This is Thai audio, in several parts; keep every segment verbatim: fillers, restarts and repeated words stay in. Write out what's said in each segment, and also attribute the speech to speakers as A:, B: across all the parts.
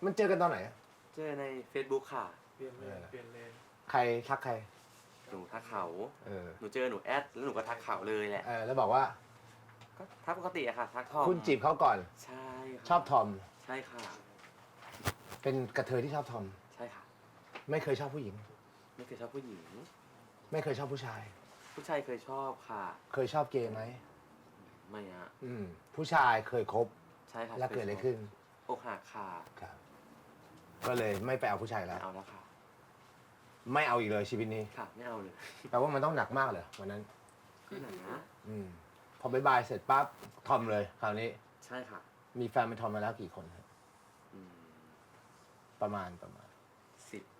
A: มันเจอกันตอนไหน
B: เจอใน Facebook ค่ะ
C: เปลี่ยนเลนเปลี่ยนเลน
A: ใครทักใคร
B: หนูทักเขา
A: เออ
B: หนูเจอหนูแอดแล้วหนูก็ทักเขาเลยแหละ
A: เออแล้วบอกว่า
B: ก็ทักปกติอะค่ะ ทักทอม
A: คุณจีบเขาก่อน
B: ใช่ค่ะ
A: ชอบทอม
B: ใช่ค่ะ
A: เป็นกระเทยที่ชอบทอม
B: ใช่ค่ะ
A: ไม่เคยชอบผู้หญิง
B: ไม่เคยชอบผู้หญิง
A: ไม่เคยชอบผู้ชาย
B: ผู้ชายเคยชอบค่ะ
A: เคยชอบเกย์ไหม
B: ไม่อะ
A: อืมผู้ชายเคยคบ
B: ใช่ค่ะ
A: แล้วเกิดอะไรขึ้น
B: อกหักค่ะ
A: ครับ ก็เลยไม่ไปเอาผู้ชายแล้
B: ไม่
A: ว
B: เอาแล้วค่ะ
A: ไม่เอาอีกเลยชีวิตนี้
B: ค่ะ ไม่เอาเลย
A: แปลว่ามันต้องหนักมากเลยวันนั้น
B: ก็หนา
A: อืมพอบายบายเสร็จปั๊บทอมเลยคราวนี้
B: ใช่ค่ะ
A: มีแฟนเป็นทอมมาแล้วกี่คนครับ
B: อืม
A: ประมาณประมาณ
B: สิบ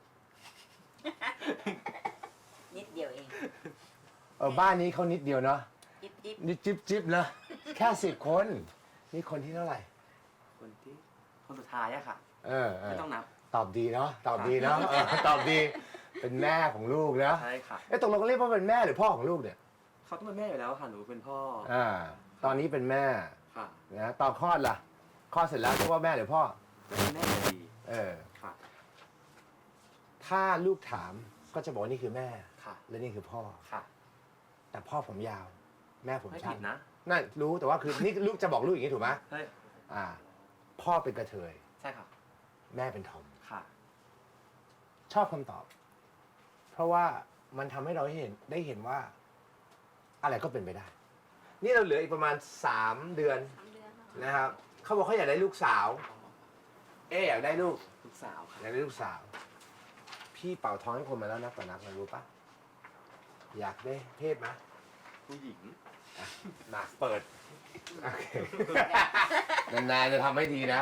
D: นิดเดียวเอง
A: เออบ้านนี้เขานิดเดียวเนาะ
D: จิ๊บจิ๊บ
A: นิดจิ๊บจิ๊บนะแค่สิบคนนี่คนที่เท่าไหร่
B: คนที่คนสุดท้ายอะค่ะ
A: เออเอ
B: ไม่
A: อ
B: ต้องนับ
A: ตอบดีเนาะตอบดีเนาะเออตอบดีเป็นแม่ของลูกนะ
B: ใช่ค่ะ
A: เอ้ตกลงเรียกว่าเป็นแม่หรือพ่อของลูกเนี่ย
B: เขาต้องเป็นแม่อยู่แล้วค่ะ หนูเป็นพ่อ
A: อ่าตอนนี้เป็นแม่
B: ค่ะ
A: นะตอนคลอดล่ะคลอดเสร็จแล้วเรียกว่าแม่หรือพ่อ
B: ก็เป็นแม่อยู่ดี
A: เออ
B: ค่ะ
A: ถ้าลูกถามก็จะบอกว่านี่คือแม่
B: ค่ะ
A: และนี่คือพ่อ
B: ค่ะ
A: แต่พ่อผมยาว แม่ผม
B: ไม่
A: สั้
B: ผิ
A: น
B: ดนะ
A: นั่นรู้แต่ว่าคือนี่ลูกจะบอกลูกอย่างนี้ถูกไหม
B: เฮ้ย
A: อ่า พ่อเป็นกระเทย
B: ใช่ค่ะ
A: แม่เป็นทอม
B: ค่ะ
A: ชอบคำตอบ เพราะว่ามันทำให้เราได้เห็นได้เห็นว่า อะไรก็เป็นไปได้ นี่เราเหลืออีกประมาณสามเดือน
D: สามเดือนแล้ว
A: นะครับเขาบอกเขาอยากได้ลูกสาว เอ๊ะอยากได้ลูก
B: ลูกสาวค่ะ
A: อยากได้ลูกสาว พี่เป่าท้องให้คนมาแล้วนับต่อนับนะรู้ปะอยากได้เพศไหม
B: ผู้หญิง
A: อ่ะมาเปิดโอเคนานๆจะทำให้ทีนะ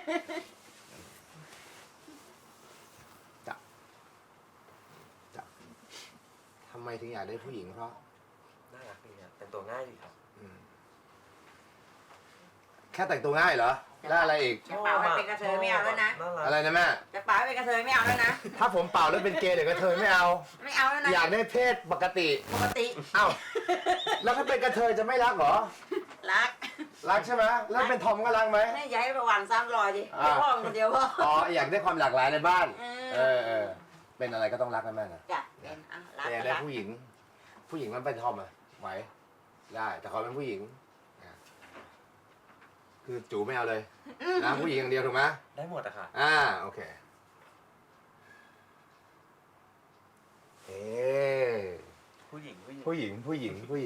A: จับจับทำไมถึงอยากได้ผู้หญิงเพราะ
B: น่ารักดีครับแต่งตัวง่ายดีครับ
A: อืมแค่แต่งตัวง่ายเหรอแล้วอะไรอีก
D: จะเป่าให้เป็นกระเทยไม่เอาแล้วนะ
B: น่ารัก
A: อะไรนะแม่
D: จะเป่าให้เป็นกระเทยไม่เอาแล้วนะ
A: ถ้าผมเป่าแล้วเป็นเกย์หรือกระเทยไม่เอา
D: ไม่เอาแล้วนะ
A: อยากได้เพศปกติ
D: ปกติ
A: เอ้าแล้วถ้าเป็นกระเทยจะไม่รักเหรอ
D: รัก
A: รักใช่ไหมแล้วเป็นทอมก็รักไหม
D: แม่อย่าให้ประวันซ้ำรอยดิ
A: อ่า
D: ให้พ่อมันคนเดียวพ่อ
A: อ๋ออยากได้ความหลากหลายในบ้าน
D: เออ
A: เออเออเป็นอะไรก็ต้องรักนะแม่นะ
D: จ้ะเป็นอ่ะรัก
A: แต่อยาก
D: ก็
A: ได้
D: รัก
A: ผู้หญิง ผู้หญิงมันเป็นทอมอะไหวได้ แต่ขอเป็นผู้หญิงอ่ะคือจูไม่เอาเลยนะผู้หญิงอย่างเดียวถูกไหม
B: ได้หมดอะค่ะ
A: อ่าโอเคเอ๊
B: ผู้หญิงผู้หญิง
A: ผู้หญิงผู้หญิงผู้หญิง